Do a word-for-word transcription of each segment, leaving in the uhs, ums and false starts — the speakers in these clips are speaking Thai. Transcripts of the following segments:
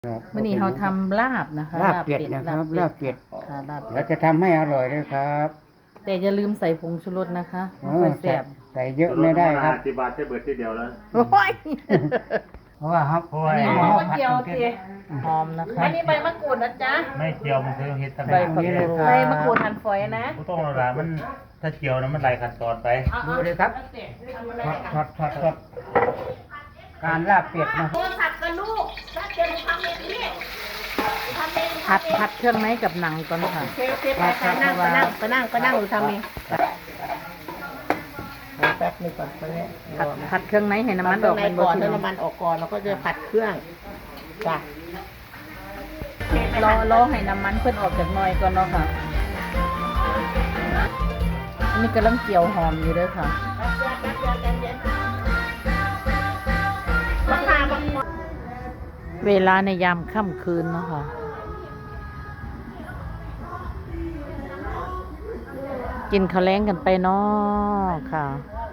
วันนี้เราทำลาบนะคะลาบเป็ดนะครับลาบเป็ดค่ะลาบเป็เราดจะทำให้อร่อยเลยครับแต่อย่าลืมใส่ผงชูรสนะคะเอไม่อแซ่บใส่เยอะไม่ได้ครับที่บาทจะเบิดที่เดียวแล้วโอ้ยเพราะว่าครับเพราะว่าอันนี้หหม้ออมผัดเจียวของเจีเทศหอมนะคะอันนี้ใบมะกรูดนะจ๊ะไม่เจียวมันคือเฮ็ดตั้งใบแต่ผักชีใบมะกรูดหั่นฝอยนะผู้ต้องระลามันถ้าเจียวนะมันไหลขั้นตอนไปดูเลยครับทอดทอดทอดทอดการลาบเป็ดนะโทรศัพท์กับลูกถ้าเจอหนูทำเองนี่ทำเองผัดผัดเครื่องในกับหนังก่อนค่ะโอเคโอเคไปไปนั่งไปนั่งไปนั่งไปนั่งหนูทำเองแป๊บนึงก่อนไปเนี่ยผัดผัดเครื่องในให้น้ำมันออกในเป็นก่อนพี่ให้น้องน้ำมันออกก่อนแล้วก็จะผัดเครื่องจ้ะรอรอให้น้ำมันเพิ่นออกจากหน่อยก่อนเนาะค่ะอันนี้กำลังเจียวหอมอยู่เด้วยค่ะบังคับบังคับเวลาในยามค่ำคืนเนาะค่ะกินข้าวแล้งกันไปเนาะค่ะ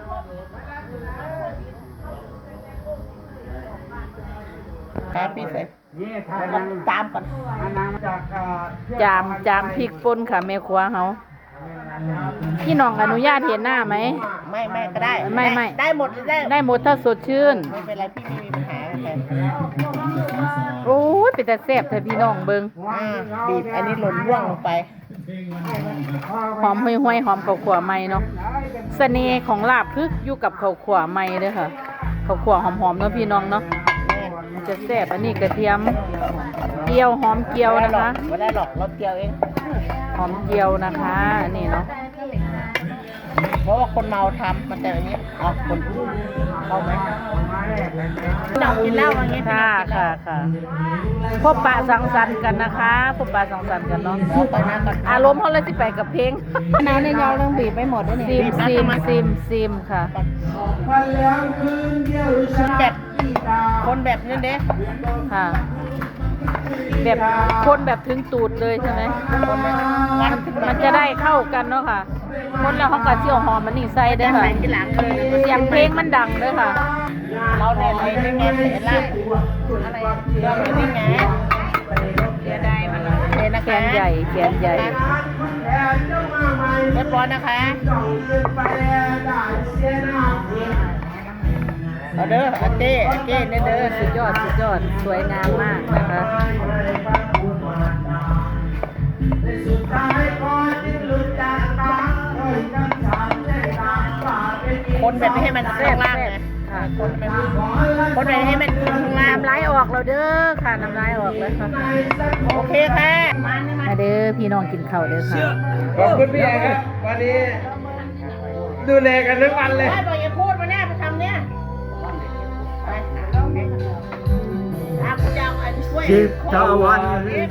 ครับพี่เสร็จนี่ทานน้ำตามก่อนทานน้ำจากเอ่อจามจามพริกป่นค่ะแม่ครัวเฮาพี่น้องอนุญาตเห็นหน้าไหมไม่ไม่ก็ได้ไม่ไม่ได้หมดได้ได้หมดถ้าสดชื่นไม่เป็นไรพี่ไม่มีปัญหาอะไรโอ้ยเป็นแต่แซ่บแต่พี่น้องเบิงอ่าบีบอันนี้หล่นร่วงลงไปหอมห้วยๆหอมข้าวขั่วใหม่เนาะเสน่ห์ของลาบคืออยู่กับข้าวขั่วใหม่เด้อค่ะข้าวขั่วหอมๆเนาะพี่น้องเนาะมันจะแซ่บอันนี้กระเทียมเจียวหอมเจียวนะคะไม่ได้หรอกเราเจียวเองหอมเจียวนะคะอันนี่เนาะเพราะว่าคนเมาทำมันแต่อันนี้อ๋อคนเมาไหมพี่น้องกินเหล้าอย่างเงี้ยค่ะค่ะค่ะพบปะสังสรรค์กันนะคะพบปะสังสรรค์กันเนาะเราไปนั่งก่อนอารมณ์เขาเลยที่ไปกับเพลงน้ำในยาวต้องบีบไปหมดด้วยซินี่มซิมซิมซิมค่ะแบบคนแบบนี้เด้ค่ะ แบบคนแบบถึงตูดเลยใช่ไหมคนแบบวันมันจะได้เข้ากันเนาะค่ะ คนแล้วเขาก็เจียวหอมมันนี่ใส่เด้อค่ะที่หลังเลยเสียงเพลงมันดังเด้อค่ะเราเนี่ยอะไรนี่ไงเสียละอะไรเราเนี่ยนี่ไงเสียดายมันเสียนะแขคะนใหญ่แขนใหญ่เรียบร้อยนะคะเอาเด้อเอาเจ้เอาเจ้เนี่ยเด้อสุดยอดสุดยอดสวยงามมากนะคะคนแบบไม่ให้มันแซ่ข้าบงล่างแซ่ไงบค่ะคนแบบคนแบบให้มันข้างล่างน้ำลายออกแล้วเด้อค่ะน้ำลายออกแล้วค่ะโอเคค่ะมาเด้อพี่น้องกินข้าวเด้อค่ะขอบคุณพี่ใหญ่ครับ วันนี้ดูแลกันทั้งวันเลยไม่บอกอย่าพูดมาแน่ไปทำเนี่ยไปอ่ะคุณจะเอาอันช่วยสิบตะวัน